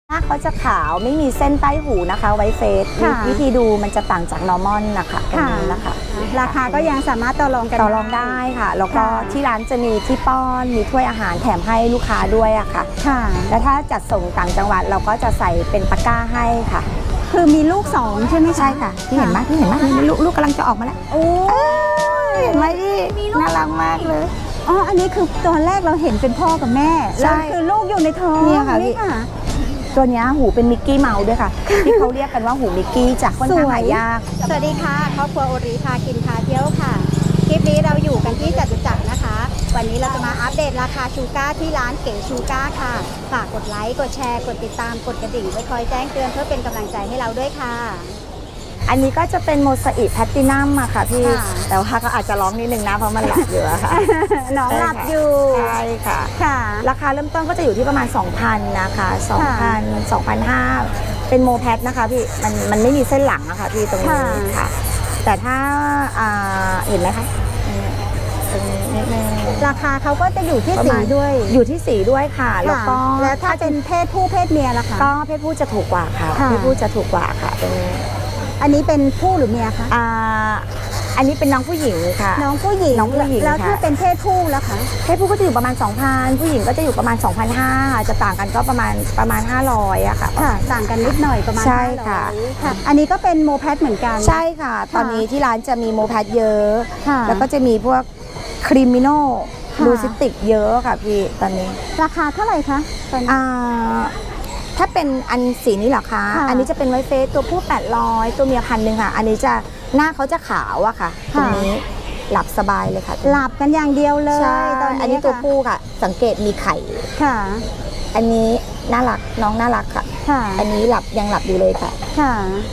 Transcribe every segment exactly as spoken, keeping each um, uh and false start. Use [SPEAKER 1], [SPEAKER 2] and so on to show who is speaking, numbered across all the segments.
[SPEAKER 1] ถ้าเขาจะขาวไม่มีเส้นใต้หูนะคะไวเฟสวิธีดูมันจะต่างจากนอร์มอลนะคะตรงนี้นะคะ
[SPEAKER 2] ราคาก็ยังสามารถต่อรองกัน
[SPEAKER 1] ต่อรองได้ค่ะแล้วก็ที่ร้านจะมีที่ป้อนมีถ้วยอาหารแถมให้ลูกค้าด้วยอะค่ะแล้วถ้าจัดส่งต่างจังหวัดเราก็จะใส่เป็นตะกร้าให้ค่ะ
[SPEAKER 2] คือมีลูกสองใช่ไหม
[SPEAKER 1] ใช่ค่ะที่เห็นไหมที่เห็นไหมลูกลูกกำลังจะออกมาแล้ว
[SPEAKER 2] โอ้
[SPEAKER 1] เห็นไหมที่น่ารักมากเลย
[SPEAKER 2] อ๋ออันนี้คือตอนแรกเราเห็นเป็นพ่อกับแม่แล้วคือลูกอยู่ในท้อง
[SPEAKER 1] นี่ค่ะนี่ค่ะตัวนี้หูเป็นมิกกี้เมาส์ด้วยค่ะที่เขาเรียกกันว่าหูมิกกี้จากค่อนข้างหายาก
[SPEAKER 2] สวัสดีค่ะครอบครัวโอริพากินพาเที่ยวค่ะคลิปนี้เราอยู่กันที่จตุจักรนะคะวันนี้เราจะมาอัปเดตราคาชูก้าที่ร้านเก๋ชูก้าค่ะฝากกดไลค์กดแชร์กดติดตามกดกระดิ่งไว้คอยแจ้งเตือนเพื่อเป็นกำลังใจให้เราด้วยค่ะ
[SPEAKER 1] อันนี้ก็จะเป็นโมซาอิกแพลตินัมอะค่ะพี่แต่ว่าก็อาจจะร้องนิดนึงนะเพราะมันหลับอยู่อะค่ะ
[SPEAKER 2] น้องหลับอยู่
[SPEAKER 1] ใช่ค่ะ
[SPEAKER 2] ค่ะ
[SPEAKER 1] ราคาเริ่มต้นก็จะอยู่ที่ประมาณ สองพัน นะคะ สองพัน สองพันห้าร้อย เป็นโมแพทนะคะพี่มันมันไม่มีเส้นหลังอะค่ะพี่ตรงนี้ค่ะแต่ถ้าเห็นไหมคะตรงนี้นิดนึง
[SPEAKER 2] ราคาเขาก็จะอยู่ที่สีด้วย
[SPEAKER 1] อยู่ที่สีด้วยค่ะแล้วก็
[SPEAKER 2] แล้วถ้าเป็นเพศผู้เพศเมียล่ะคะ
[SPEAKER 1] ก็เพศผู้จะถูกกว่าค่ะเพศผู้จะถูกกว่าค่ะตรงนี้
[SPEAKER 2] อันนี้เป็นผู้หรือเมียคะ
[SPEAKER 1] อ่าอันนี้เป็นน้องผู้หญิงค่ะ
[SPEAKER 2] น้องผู้หญิง
[SPEAKER 1] น้องผู้หญิง
[SPEAKER 2] แล้วถ้าเป็นเพศผู้แล้วคะ
[SPEAKER 1] เพศผู้ก็จะอยู่ประมาณ สองพัน ผู้หญิงก็จะอยู่ประมาณ สองพันห้าร้อย จะต่างกันก็ประมาณประมาณห้าร้อยอะค่ะ
[SPEAKER 2] ค่ะต่างกันนิดหน่อยประมาณ
[SPEAKER 1] ใช่ค่ะ
[SPEAKER 2] อันนี้ก็เป็นโมแพทเหมือนกัน
[SPEAKER 1] ใช่ค่ะตอนนี้ที่ร้านจะมีโมแพทเยอะแล้วก็จะมีพวกครีมิโนลูซิติกเยอะค่ะพี่ตอนนี้
[SPEAKER 2] ราคาเท่าไหร่คะ
[SPEAKER 1] อ่าถ้าเป็นอันสีนี้เหรอคะอันนี้จะเป็นไวเฟสตัวผู้แปดร้อยตัวเมียพันหนึ่งค่ะอันนี้จะหน้าเขาจะขาวอะค่ะตรงนี้หลับสบายเลยค่ะ
[SPEAKER 2] หลับกันอย่างเดียวเลย
[SPEAKER 1] ตอนนี้อันนี้ตัวผู้ค่ะสังเกตมีไข่
[SPEAKER 2] ค่ะ
[SPEAKER 1] อันนี้น่ารักน้องน่ารักค่ะอันนี้หลับยังหลับอยู่เลยค่ะ
[SPEAKER 2] ค่ะ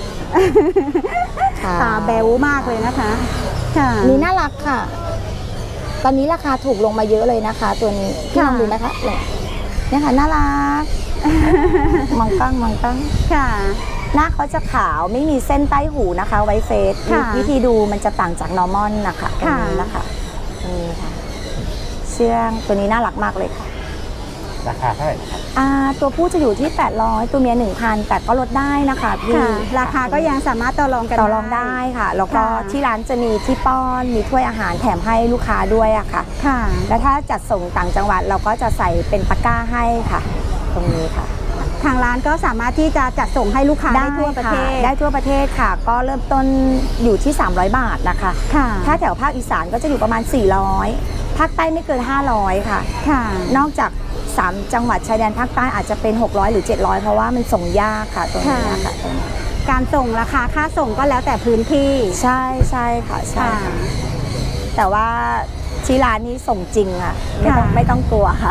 [SPEAKER 2] ตาแบ๊วมากเลยนะคะค่ะ
[SPEAKER 1] นี่น่ารักค่ะตอนนี้ราคาถูกลงมาเยอะเลยนะคะตัวนี้ที่ลองดูนะคะเนี่ยค่ะน่ารักมองตั้งมองตั้ง
[SPEAKER 2] ค่ะ
[SPEAKER 1] หน้าเขาจะขาวไม่มีเส้นใต้หูนะคะไวเฟสวิธีดูมันจะต่างจากนอร์มอลนะคะตรงนี้นะคะนี่ค่ะเชื่องตัวนี้น่ารักมากเลยค่ะ
[SPEAKER 3] ราคาเท่าไหร่ครับ
[SPEAKER 1] อ่าตัวผู้จะอยู่ที่แปดร้อยตัวเมีย หนึ่งพัน แต่ก็ลดได้นะคะพี่
[SPEAKER 2] ราคาก็ยังสามารถต่อรองกัน
[SPEAKER 1] ต่อรองได้ค่ะแล้วก็ที่ร้านจะมีที่ป้อนมีถ้วยอาหารแถมให้ลูกค้าด้วยอะค่ะ
[SPEAKER 2] ค่ะ
[SPEAKER 1] แล้วถ้าจัดส่งต่างจังหวัดเราก็จะใส่เป็นตะกร้าให้ค่ะตรงนี้ค่ะ
[SPEAKER 2] ทางร้านก็สามารถที่จะจัดส่งให้ลูกค้าได้ทั่วประเทศ
[SPEAKER 1] ได้ทั่วประเทศค่ะก็เริ่มต้นอยู่ที่สามร้อยบาทนะคะถ้าแถวภาคอีสานก็จะอยู่ประมาณสี่ร้อยภาคใต้ไม่เกินห้าร้อยค่ะนอกจากสามจังหวัดชายแดนภาคใต้อาจจะเป็นหกร้อยหรือเจ็ดร้อยเพราะว่ามันส่งยากค่ะตรงนี้ค่ะ
[SPEAKER 2] การส่งราคาค่าส่งก็แล้วแต่พื้นที่
[SPEAKER 1] ใช่ใช่ค่ะใช่แต่ว่าที่ร้านนี้ส่งจริงอ่ะไม่ต้องไม่ต้องกลัวค่ะ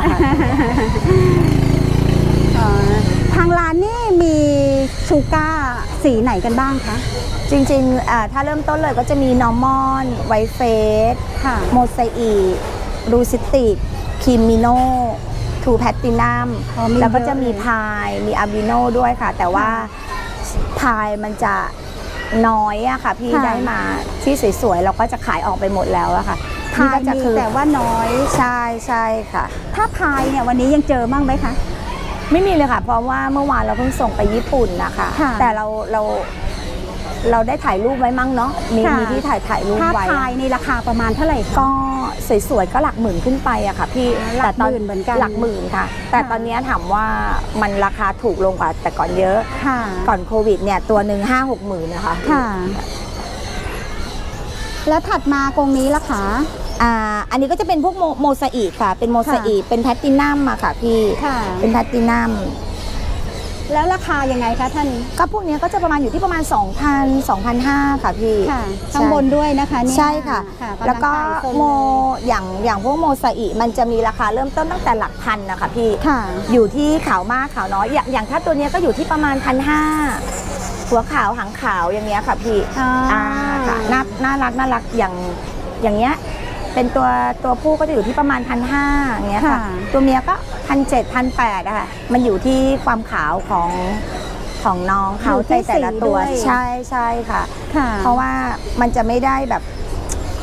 [SPEAKER 2] ทางร้านนี่มีชูก้าสีไหนกันบ้างคะ
[SPEAKER 1] จริงๆถ้าเริ่มต้นเลยก็จะมีนอร์มอลไวเฟสโมซาอิกรูซิติกคิมิโนทูแพตตินัมแล้วก็จะมีพายมีอาบิโนด้วยค่ะแต่ว่าพายมันจะน้อยอะค่ะพี่ได้มาที่สวยๆเราก็จะขายออกไปหมดแล้วอะค่ะ
[SPEAKER 2] พายมีแต่ว่าน้อย
[SPEAKER 1] ใช่ใช่ค่ะ
[SPEAKER 2] ถ้าพายเนี่ยวันนี้ยังเจอบ้างไหมคะ
[SPEAKER 1] ไม่มีเลยค่ะเพราะว่าเมื่อวานเราเพิ่งส่งไปญี่ปุ่นนะคะแต่เราเราเราได้ถ่ายรูปไว้มั่งเนาะมีมีที่ถ่ายถ่ายรูปไว้
[SPEAKER 2] ถ้าพายในราคาประมาณเท่าไหร่
[SPEAKER 1] ก็สวยๆก็หลักหมื่นขึ้นไปอะค่ะพี่
[SPEAKER 2] แต่ตอนเหมือนกัน
[SPEAKER 1] หลักหมื่นค่ะแต่ตอนนี้ถามว่ามันราคาถูกลงกว่าแต่ก่อนเยอะก่อนโควิดเนี่ยตัวหนึ่งห้าหกหมื่นนะคะ
[SPEAKER 2] ค่ะแล้วถัดมากรงนี้ล่ะคะ
[SPEAKER 1] อ่าอันนี้ก็จะเป็นพวกโมซาอิกค่ะเป็นโมซาอิกเป็นแพลตินัมอะค่ะพี่เป็นแพลตินัม
[SPEAKER 2] แล้วราคายังไงคะท่าน
[SPEAKER 1] ก็พวกนี้ก็จะประมาณอยู่ที่ประมาณ สองพัน สองพันห้าร้อย ค่ะพี่
[SPEAKER 2] ข้างบนด้วยนะคะ
[SPEAKER 1] ใช่ค่ะแล้วก็โมอย่างอย่างพวกโมซาอิมันจะมีราคาเริ่มต้นตั้งแต่หลักพันนะคะพี่อยู่ที่ขาวมากขาวน้อยอย่างอย่างถ้าตัวนี้ก็อยู่ที่ประมาณพันห้าหัวขาวหางขาวอย่างเงี้ยค่ะพี่อ่าค่ะน่าน่ารักน่ารักอย่างอย่างเงี้ยเป็นตัวตัวผู้ก็จะอยู่ที่ประมาณพันห้าอย่างเงี้ยค่ะตัวเมียก็พันเจ็ดพันแปดอะค่ะมันอยู่ที่ความขาวของของน้องเขาในแต่ละตัวใช่ใช่ค่ะเพราะว่ามันจะไม่ได้แบบ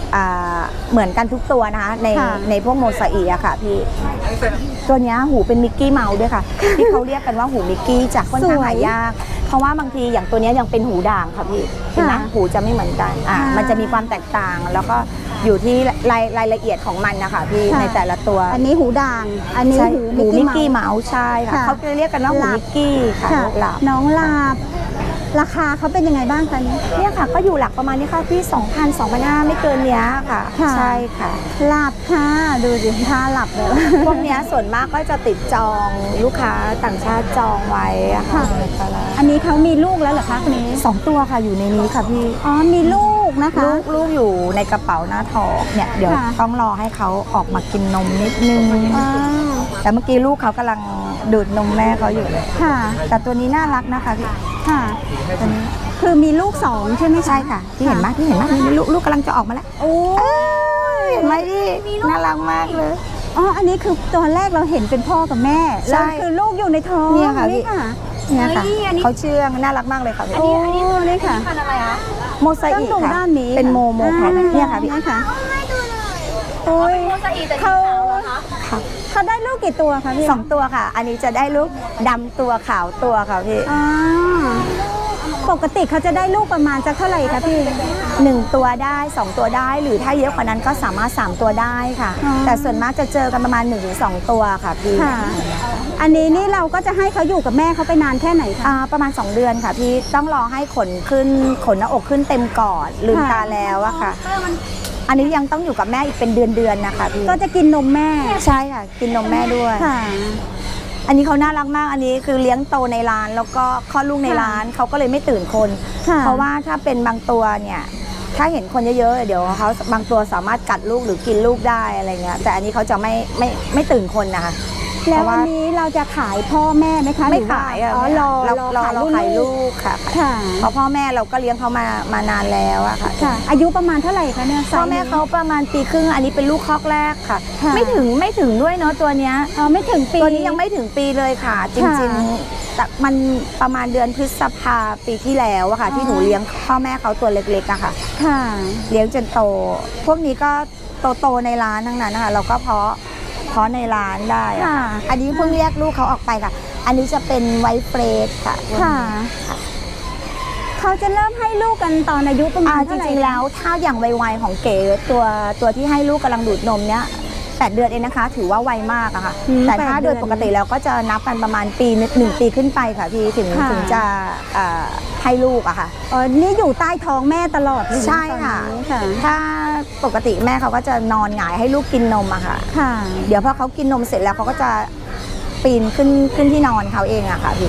[SPEAKER 1] อ่าเหมือนกันทุกตัวนะคะใน
[SPEAKER 2] ค่ะ
[SPEAKER 1] ในพวกโมซาอิอะค่ะพี่ตัวเนี้ยหูเป็นมิกกี้เมาส์ด้วยค่ะ ที่เขาเรียกกันว่าหูมิกกี้จากค่อนข้างหายาก เพราะว่าบางทีอย่างตัวเนี้ยยังเป็นหูด่างค่ะพี่เห็นไหม
[SPEAKER 2] ค่ะ
[SPEAKER 1] หูจะไม่เหมือนกันอ่า
[SPEAKER 2] ค่ะ
[SPEAKER 1] มันจะมีความแตกต่าง แล้วก็อยู่ที่รายรายละเอียดของมันนะคะพี่
[SPEAKER 2] ค่ะ
[SPEAKER 1] ในแต่ละตัว
[SPEAKER 2] อันนี้หูด่าง อันนี้
[SPEAKER 1] ใช่
[SPEAKER 2] หู
[SPEAKER 1] หูมิกกี้
[SPEAKER 2] เมาส์
[SPEAKER 1] เมาส์ใช่ค่ะ
[SPEAKER 2] ค่ะ
[SPEAKER 1] เขาจะเรียกกันว่าหู
[SPEAKER 2] หลับ
[SPEAKER 1] มิกกี้ค่ะ
[SPEAKER 2] ค่ะ
[SPEAKER 1] หลับ
[SPEAKER 2] น้องลาบ ราคาเขาเป็นยังไงบ้างคะนี้
[SPEAKER 1] เนี่ยค่ะก็อยู่หลักประมาณนี้ค่ะที่สองพัน สองพันห้าร้อยไม่เกินเนี้ยค่ะ
[SPEAKER 2] ค่ะ
[SPEAKER 1] ใช่ค่ะ
[SPEAKER 2] หลับค่ะ ดูสิท่าหลับเลย
[SPEAKER 1] พวกเนี้ยส่วนมากก็จะติดจองลูกค้าต่างชาติจองไว้อะค่ะ
[SPEAKER 2] ค่ะ อันนี้เขามีลูกแล้วเหรอคะคนนี้
[SPEAKER 1] สองตัวค่ะอยู่ในนี้ค่ะพี่
[SPEAKER 2] อ๋อ มีลูกนะคะ
[SPEAKER 1] ลูกลูกอยู่ในกระเป๋าหน้าท้องเนี่ยเดี๋ยว
[SPEAKER 2] ค่ะ
[SPEAKER 1] ต้องรอให้เขาออกมากินนมนิดนึง
[SPEAKER 2] อ๋อ
[SPEAKER 1] แต่เมื่อกี้ลูกเขากำลังดูดนมแม่เขาอยู่เลย
[SPEAKER 2] ค่ะ
[SPEAKER 1] แต่ตัวนี้น่ารักนะคะพี่
[SPEAKER 2] ค่ะ
[SPEAKER 1] ตัวนี้
[SPEAKER 2] คือมีลูกสองใช่ไหมคะ
[SPEAKER 1] ใช่ค่ะที่เห็นไหมที่เห็นไหมนี่ลูกลูกกำลังจะออกมาแล้ว
[SPEAKER 2] โอ้
[SPEAKER 1] เห็นไหมพี่น่ารักมากเลย
[SPEAKER 2] อ๋อ อันนี้คือตอนแรกเราเห็นเป็นพ่อกับแม่
[SPEAKER 1] ใช่
[SPEAKER 2] แล้วคือลูกอยู่ในท้อง
[SPEAKER 1] เนี่ยค่ะ
[SPEAKER 2] นี่ค่ะ
[SPEAKER 1] เนี่ยค่ะ
[SPEAKER 2] เฮ้ยอันนี้
[SPEAKER 1] เขาเชื่องน่ารักมากเลยค่ะพี่
[SPEAKER 2] โอ้นี่ค่ะ
[SPEAKER 1] โมซา
[SPEAKER 2] ต้อง
[SPEAKER 1] อิ
[SPEAKER 2] ดู
[SPEAKER 1] ค่ะ
[SPEAKER 2] ด้านนี้
[SPEAKER 1] เป็นโมโมแพท
[SPEAKER 2] อ่า
[SPEAKER 1] เนี่ยค่ะพี่
[SPEAKER 2] นี่ค่ะโอ้ยเขา
[SPEAKER 1] ค่ะ
[SPEAKER 2] เขาได้ลูกกี่ตัวคะพี่
[SPEAKER 1] สองตัวค่ะ อันนี้จะได้ลูกดำตัวขาวตัวค่ะพี่
[SPEAKER 2] อ๋อปกติเขาจะได้ลูกประมาณจะเท่าไหร่คะพี่
[SPEAKER 1] หนึ่งตัวได้สองตัวได้หรือถ้าเยอะกว่านั้นก็สามารถสามตัวได้ค่ะ
[SPEAKER 2] อ๋อ
[SPEAKER 1] แต่ส่วนมากจะเจอกันประมาณหนึ่งถึงสองตัวค่ะพี่
[SPEAKER 2] ค่ะ อันนี้นี่เราก็จะให้เขาอยู่กับแม่เขาไปนานแค่ไหนคะ
[SPEAKER 1] อ่าประมาณสองเดือนค่ะพี่ต้องรอให้ขนขึ้นขนหน้าอกขึ้นเต็มก่อนลืม
[SPEAKER 2] ค่ะ
[SPEAKER 1] ตาแล้วอะค่ะ อันนี้ยังต้องอยู่กับแม่อีกเป็นเดือนๆนะคะพี่
[SPEAKER 2] ก็จะกินนมแม่
[SPEAKER 1] ใช่ค่ะกินนมแม่ด้วย
[SPEAKER 2] ค่ะ
[SPEAKER 1] อันนี้เขาน่ารักมาก อันนี้คือเลี้ยงโตในร้านแล้วก็คลอดลูกในร้านเขาก็เลยไม่ตื่นคน
[SPEAKER 2] ค่ะ
[SPEAKER 1] เพราะว่าถ้าเป็นบางตัวเนี่ยถ้าเห็นคนเยอะๆเดี๋ยวเขาบางตัวสามารถกัดลูกหรือกินลูกได้อะไรเงี้ยแต่อันนี้เขาจะไม่ไม่ไม่ตื่นคนนะคะ
[SPEAKER 2] แล้ว
[SPEAKER 1] เพราะ
[SPEAKER 2] วั
[SPEAKER 1] ว่า
[SPEAKER 2] นนี้เราจะขายพ่อแม่ไหมคะ
[SPEAKER 1] ไม่
[SPEAKER 2] หรือว่
[SPEAKER 1] ขายอะ
[SPEAKER 2] อ๋อรอ
[SPEAKER 1] เรา
[SPEAKER 2] รอ
[SPEAKER 1] เรา
[SPEAKER 2] ขาย
[SPEAKER 1] เรา
[SPEAKER 2] รุ่น
[SPEAKER 1] ขาย
[SPEAKER 2] ลู
[SPEAKER 1] ลู
[SPEAKER 2] ก
[SPEAKER 1] กค่ะ
[SPEAKER 2] ค่ะ
[SPEAKER 1] เพราะพ่อแม่เราก็เลี้ยงเขามามานานแล้วอะค่ะ
[SPEAKER 2] ค่ะ อายุประมาณเท่าไหร่คะเนี่ย
[SPEAKER 1] พ่อแม่เขาประมาณปีครึ่งอันนี้เป็นลูกคอกแรกค่ะ
[SPEAKER 2] ค่ะ
[SPEAKER 1] ไม่ถึงไม่ถึงด้วยเนาะตัวเนี้ย
[SPEAKER 2] อ๋อไม่ถึงปี
[SPEAKER 1] ตัวนี้ยังไม่ถึงปีเลยค่ะ จริง
[SPEAKER 2] ค่ะ
[SPEAKER 1] ๆแต่มันประมาณเดือนพฤษภาปีที่แล้วอะค่ะ ที่หนูเลี้ยงพ่อแม่เขาตัวเล็กๆอะค่ะ
[SPEAKER 2] ค่ะ
[SPEAKER 1] เลี้ยงจนโต พวกนี้ก็โตๆในร้านทั้งนั้นนะคะเราก็เพาะเพาะในร้านได้อะ
[SPEAKER 2] ค่ะ
[SPEAKER 1] อันนี้เพิ่งเรียกลูกเขาออกไปค่ะ อันนี้จะเป็นไวท์เฟรดค่ะ
[SPEAKER 2] ค่ะ เขาจะเริ่มให้ลูกกันตอนอายุประมา
[SPEAKER 1] อ่า
[SPEAKER 2] ณ
[SPEAKER 1] จ
[SPEAKER 2] เท่าไหร่
[SPEAKER 1] ริงๆแล้วถ้าอย่างไวๆของเก๋ตัวตัวที่ให้ลูกกำลังดูดนมเนี้ยแปดเดือนเองนะคะ ถือว่าไวมากอะค่ะ
[SPEAKER 2] อืม
[SPEAKER 1] แต่ถ้า
[SPEAKER 2] แปด
[SPEAKER 1] โดยปกติแล้วก็จะนับกันประมาณปีหนึ่งหนึ่งปีขึ้นไปค่ะพี่ถึง
[SPEAKER 2] ค่ะ
[SPEAKER 1] ถึงจะอ่าให้ลูกอะค่ะ
[SPEAKER 2] อ๋อนี่อยู่ใต้ท้องแม่ตลอดเลยน
[SPEAKER 1] ใช่ค่ะ
[SPEAKER 2] ตอนนี้ค่ะ
[SPEAKER 1] ถ้าปกติแม่เขาก็จะนอนหงายให้ลูกกินนมอะค่ะ
[SPEAKER 2] ค่ะ
[SPEAKER 1] เดี๋ยวพอเขากินนมเสร็จแล้วเขาก็จะปีนขึ้นขึ้นที่นอนเขาเองอะค่ะพี่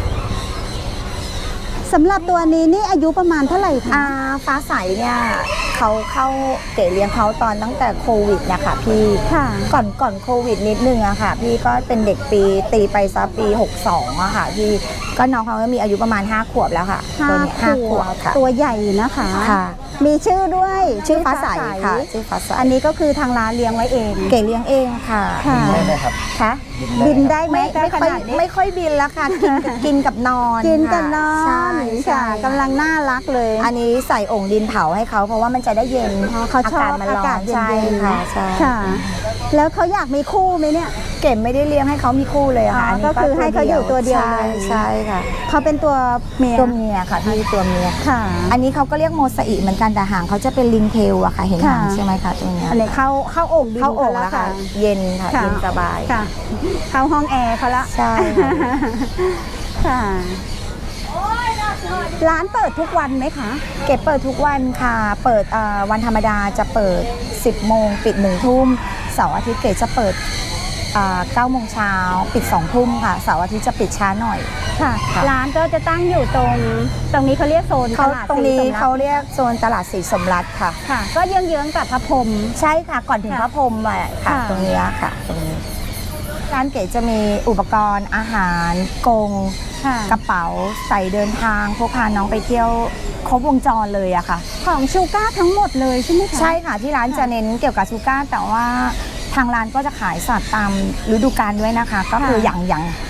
[SPEAKER 2] สำหรับตัวนี้นี่อายุประมาณเท่าไหร่คะ
[SPEAKER 1] อ่าฟ้าใสเนี่ยเขาเข้าเก๋เลี้ยงเขาตอนตั้งแต่โควิดนะคะพี่
[SPEAKER 2] ค่ะ
[SPEAKER 1] ก่อนก่อนโควิดนิดนึงอะค่ะ พี่ก็เป็นเด็กปีตีไปซะปีหกสองอะค่ะพี่ก็น้องเขาก็มีอายุประมาณห้าขวบแล้วค่ะ
[SPEAKER 2] ห้า
[SPEAKER 1] ตัวเนี้ยห้าขวบค่ะ
[SPEAKER 2] ตัวใหญ่นะคะ
[SPEAKER 1] ค่ะ
[SPEAKER 2] มีชื่อด้วย
[SPEAKER 1] ชื่อฟ้าใสค่ะชื่อฟ้าใส
[SPEAKER 2] อันนี้ก็คือทางร้านเลี้ยงไว้เอง
[SPEAKER 1] เก๋เลี้ยงเองค่ะ
[SPEAKER 2] ค่ะ
[SPEAKER 3] ได้ไหมครับ
[SPEAKER 1] ค่ะ
[SPEAKER 2] บินได้ไหม
[SPEAKER 1] ไม่ไม่
[SPEAKER 2] ข
[SPEAKER 1] ค่อย
[SPEAKER 2] นาดนี้
[SPEAKER 1] ไม่ค่อยบินแล้วค่ะกินกินกับนอน
[SPEAKER 2] กินกันนอ
[SPEAKER 1] ค่ะ
[SPEAKER 2] น
[SPEAKER 1] ใช่
[SPEAKER 2] ค่ะ
[SPEAKER 1] ใช่
[SPEAKER 2] กำลังน่ารักเลย
[SPEAKER 1] อันนี้ใส่โอ่งดินเผาให้เขาเพราะว่ามันจะได้เย็น
[SPEAKER 2] อ๋อเขาชอบ
[SPEAKER 1] มันร้อ
[SPEAKER 2] อากาศ
[SPEAKER 1] น
[SPEAKER 2] เย็นๆ
[SPEAKER 1] ใช่ค่ะใช่
[SPEAKER 2] ค่ะ แล้วเขาอยากมีคู่ไหมเนี่ย
[SPEAKER 1] เก๋ไม่ได้เลี้ยงให้เขามีคู่เลยอะค่ะ
[SPEAKER 2] อ๋ออั
[SPEAKER 1] นนี้
[SPEAKER 2] ก็คือให้เขาอยู่ตัวเดียวเลย
[SPEAKER 1] ใช่ใช่ค่ะ
[SPEAKER 2] เขาเป็นตัวเมีย
[SPEAKER 1] ตัวเมียค่ะพี่ตัวเมีย
[SPEAKER 2] ค่ะ
[SPEAKER 1] อันนี้เขาก็เรียกโมซาอิเหมือนกันแต่หางเขาจะเป็นลิงเทลอะค่ะเห็นหาง
[SPEAKER 2] ค่ะ
[SPEAKER 1] ใช่ไหมคะตัวเนี้ย
[SPEAKER 2] อันนี้เข้าเข้าโอ่งดิน
[SPEAKER 1] เข้าโอ่ง
[SPEAKER 2] แล้
[SPEAKER 1] แล้ว ว
[SPEAKER 2] ค่ะ
[SPEAKER 1] ค่ะ เย็นค่ะ
[SPEAKER 2] ค่ะ
[SPEAKER 1] เย็นสบาย
[SPEAKER 2] ค่ะ เข้าห้องแอร์เขาละ
[SPEAKER 1] ใช่ค่ะ
[SPEAKER 2] ค่ะ ร้านเปิดทุกวันไหมคะ
[SPEAKER 1] เก็บเปิดทุกวันค่ะ เปิดเอ่อวันธรรมดาจะเปิดสิบโมงปิดหนึ่งทุ่มเสาร์อาทิตย์เก๋จะเปิดเก้าโมงเช้าปิดสองทุ่มค่ะเสาร์อาทิตย์จะปิดช้าหน่อย
[SPEAKER 2] ค่ะ
[SPEAKER 1] ค่ะ
[SPEAKER 2] ร้านก็จะตั้งอยู่ตรง ตรงนี้เขาเรียกโซนต
[SPEAKER 1] เขา
[SPEAKER 2] ลาด
[SPEAKER 1] ตรงนี้
[SPEAKER 2] ศสม
[SPEAKER 1] เขาเรียกโซนตลาดสีสมรัฐค่ะ
[SPEAKER 2] ค่ะ ก็เยื้องๆกับพระพรหม
[SPEAKER 1] ใช่ค่ะก่อนถึง
[SPEAKER 2] ค่ะ
[SPEAKER 1] พระพรหมอะค่ะ
[SPEAKER 2] ค่ะ
[SPEAKER 1] ตรงนี้ค่ะตรงนี้ร้านเก๋จะมีอุปกรณ์อาหารกรง
[SPEAKER 2] ค่ะ
[SPEAKER 1] กระเป๋าใส่เดินทางพกพาน้องไปเที่ยวครบวงจรเลยอะค่ะ
[SPEAKER 2] ของชูก้าทั้งหมดเลยใช่ไหมคะ
[SPEAKER 1] ใช่ค่ะที่ร้านจะเน้นเกี่ยวกับชูก้าแต่ว่าทางร้านก็จะขายสัตว์ตามฤดูกาลด้วยนะคะ ก็คืออย่างอย่าง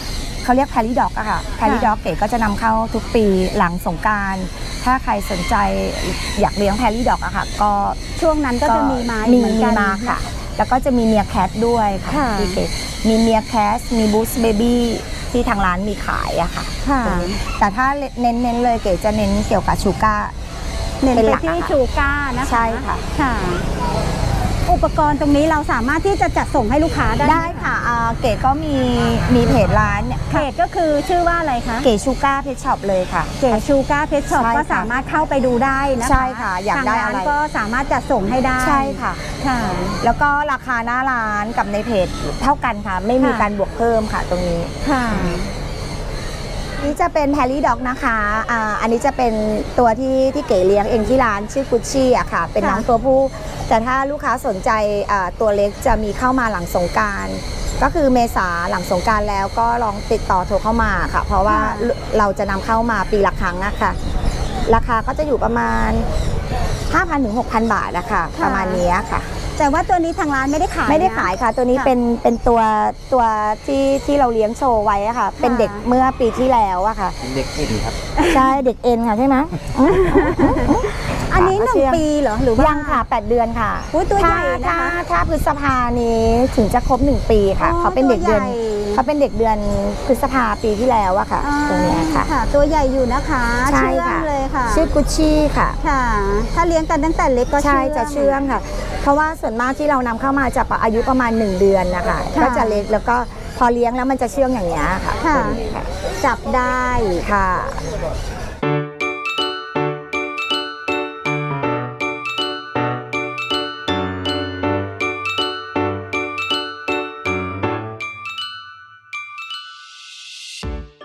[SPEAKER 1] เขาเรียกแพลลี่ด็อกอะค่ะแพลลี่ด็อกเก๋ก็จะนำเข้าทุกปีหลังสงกรานต์ถ้าใครสนใจอยากเลี้ยงแพลลี่ด็อกอะค่ะก็
[SPEAKER 2] ช่วงนั้นก็จะมีมา
[SPEAKER 1] มี
[SPEAKER 2] เหมือน
[SPEAKER 1] มี
[SPEAKER 2] กัน
[SPEAKER 1] มาค่ะ แล้วก็จะมีเมียแคทด้วยค่ะ
[SPEAKER 2] ค่ะ
[SPEAKER 1] พี่เก๋มีเมียแคทมีบูสเบบี้ที่ทางร้านมีขายอะค่ะ
[SPEAKER 2] ค่ะ
[SPEAKER 1] แต่ถ้าเน้นเน้นเลยเก๋จะเน้นเกี่ยวกับชูก้า
[SPEAKER 2] เน้น
[SPEAKER 1] เป็น
[SPEAKER 2] ไป
[SPEAKER 1] หลัก
[SPEAKER 2] ที่
[SPEAKER 1] อะค่ะ
[SPEAKER 2] ชูก้านะคะ
[SPEAKER 1] ใช่ค่ะ
[SPEAKER 2] ค่ะ อุปกรณ์ตรงนี้เราสามารถที่จะจัดส่งให้ลูกค้าได้หม
[SPEAKER 1] ได้ค่ะอ่าเก๋ก็มีมีเพจร้านเนี่ย
[SPEAKER 2] เพจก็คือชื่อว่าอะไรคะ
[SPEAKER 1] เก๋ชูก้าเพจช็อปเลยค่ะ
[SPEAKER 2] เก๋ชูก้าเพชช็อป
[SPEAKER 1] ใช่ค่ะ
[SPEAKER 2] ก็สามารถเข้าไปดูได้นะคะ
[SPEAKER 1] ใช่ค่ะอยากได้
[SPEAKER 2] ทงร้าน
[SPEAKER 1] อะไร
[SPEAKER 2] ก็สามารถจัดส่งให้ได้
[SPEAKER 1] ใช่ค่ะ
[SPEAKER 2] ค่ะ
[SPEAKER 1] แล้วก็ราคาหน้าร้านกับในเพจเท่ากันค่ะ ไม่มี
[SPEAKER 2] ค่ะ
[SPEAKER 1] การบวกเพิ่มค่ะตรงนี้
[SPEAKER 2] ค่ะ
[SPEAKER 1] นี่จะเป็นแฮร์รี่ด็อกนะคะอ่าอันนี้จะเป็นตัวที่ที่เก๋เลี้ยงเองที่ร้านชื่อกุชชี่อะค่ะ เป็น
[SPEAKER 2] ค่ะ
[SPEAKER 1] น้องตัวผู้ แต่ถ้าลูกค้าสนใจอ่าตัวเล็กจะมีเข้ามาหลังสงกรานต์ก็คือเมษาหลังสงกรานต์แล้วก็ลองติดต่อโทรเข้ามาค่ะ เพราะว่าเราจะนำเข้ามาปีละครั้งอะค่ะ ราคาก็จะอยู่ประมาณ ห้าพันถึงหกพัน บาทอะค่ะประมาณนี้ค่ะ
[SPEAKER 2] แต่ว่าตัวนี้ทางร้านไม่ได้ขาย
[SPEAKER 1] ไม่ได้
[SPEAKER 2] นะ
[SPEAKER 1] ขายค่ะ ตัวนี้
[SPEAKER 2] ค่ะ
[SPEAKER 1] เป็นเป็นตัวตัวที่ที่เราเลี้ยงโชว์ไว้อะค่ะ เป็นเด็กเมื่อปีที่แล้วอะค่ะ
[SPEAKER 3] เป็นเด็กเอ็นครับ
[SPEAKER 1] ใช่เด็กเอ็นค่ะใช่ไหม
[SPEAKER 2] อันนี้หนึ่งปีเหรอหรือว่า
[SPEAKER 1] ยังค่ะแปดเดือนค่ะ
[SPEAKER 2] อุ๊ยตัวใหญ่นะคะ
[SPEAKER 1] ถ้าถ้าถ้าพฤษภานี้ถึงจะครบหนึ่งปีค่ะ
[SPEAKER 2] อ๋อ
[SPEAKER 1] เขาเป็นเด็กเดือน
[SPEAKER 2] ตัวใหญ่
[SPEAKER 1] เขาเป็นเด็กเดือนพฤษภาปีที่แล้วอะค่ะ
[SPEAKER 2] อ่า
[SPEAKER 1] ตรงเนี้ยค่ะ
[SPEAKER 2] ค่ะ ตัวใหญ่อยู่นะคะ
[SPEAKER 1] ใช่
[SPEAKER 2] เชื่อง
[SPEAKER 1] ค่ะ
[SPEAKER 2] เลยค่ะ
[SPEAKER 1] ชื่อกุชชี่ค่ะ
[SPEAKER 2] ค่ะ ถ้าเลี้ยงกันตั้งแต่เล็กก็
[SPEAKER 1] ใช่
[SPEAKER 2] เชื่อง
[SPEAKER 1] จะเชื่องค่ะ เพราะว่าส่วนมากที่เรานำเข้ามาจะอายุประมาณหนึ่งเดือนนะคะ
[SPEAKER 2] ค่ะ
[SPEAKER 1] ก็จะเล็กแล้วก็พอเลี้ยงแล้วมันจะเชื่องอย่างนี้ยค่ะ
[SPEAKER 2] ค่ะ
[SPEAKER 1] ตัวนี้ค่ะ
[SPEAKER 2] จับได้
[SPEAKER 1] ค่ะ